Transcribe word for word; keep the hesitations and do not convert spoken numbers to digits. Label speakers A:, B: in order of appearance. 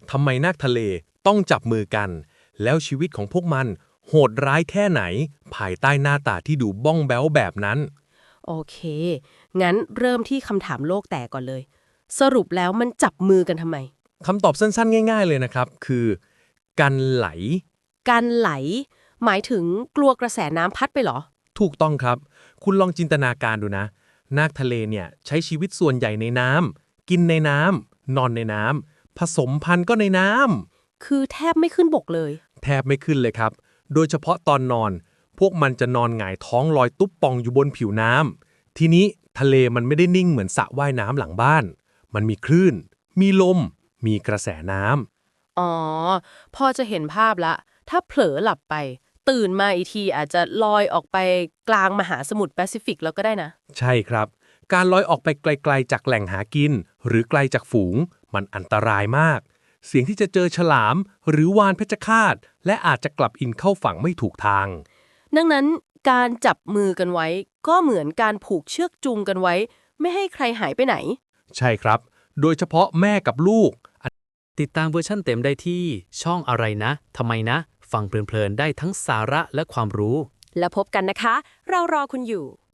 A: ทำไมนาคทะเลต้องจับมือกัน แล้วชีวิตของพวกมันโหดร้ายแค่ไหน ภายใต้หน้าตาที่ดูบ้องแบ้วแบบนั้น
B: โอเค งั้นเริ่มที่คำถามโลกแตกก่อนเลย สรุปแล้วมันจับมือกันทำไม
A: คำตอบสั้นๆง่ายๆเลยนะครับ คือ กันไหล
B: การไหล หมายถึงกลัวกระแสน้ำพัดไปเหรอ
A: ถูกต้องครับ คุณลองจินตนาการดูนะ นาคทะเลเนี่ยใช้ชีวิตส่วนใหญ่ในน้ำ กินในน้ำ นอนในน้ำ ผสมพันธุ์ก็ในน้ำ
B: คือแทบไม่ขึ้นบกเลย
A: แทบไม่ขึ้นเลยครับ โดยเฉพาะตอนนอน พวกมันจะนอนหงายท้องลอยตุ๊บป่องอยู่บนผิวน้ำ ทีนี้ทะเลมันไม่ได้นิ่งเหมือนสระว่ายน้ำหลังบ้าน มันมีคลื่น มีลม มีกระแสน้ำ
B: อ๋อ พอจะเห็นภาพละ ถ้าเผลอหลับไป ตื่นมาอีกทีอาจจะลอยออกไปกลางมหาสมุทรแปซิฟิกแล้วก็ได้นะ
A: ใช่ครับ การลอยออกไปไกลๆจากแหล่งหากิน หรือไกลจากฝูง มันอันตรายมาก เสี่ยงที่จะเจอฉลาม หรือวาฬเพชฌฆาต และอาจจะกลับอินเข้าฝั่งไม่ถูกทาง
B: ดังนั้นการจับมือกันไว้ ก็เหมือนการผูกเชือกจูงกันไว้ ไม่ให้ใครหายไปไหน
A: ใช่ครับ โดยเฉพาะแม่กับลูก
C: ติดตามเวอร์ชั่นเต็มได้ที่ช่องอะไรนะทำไมนะ ฟังเพลินๆได้ทั้งสาระและความรู้
B: แล้วพบกันนะคะ เรารอคุณอยู่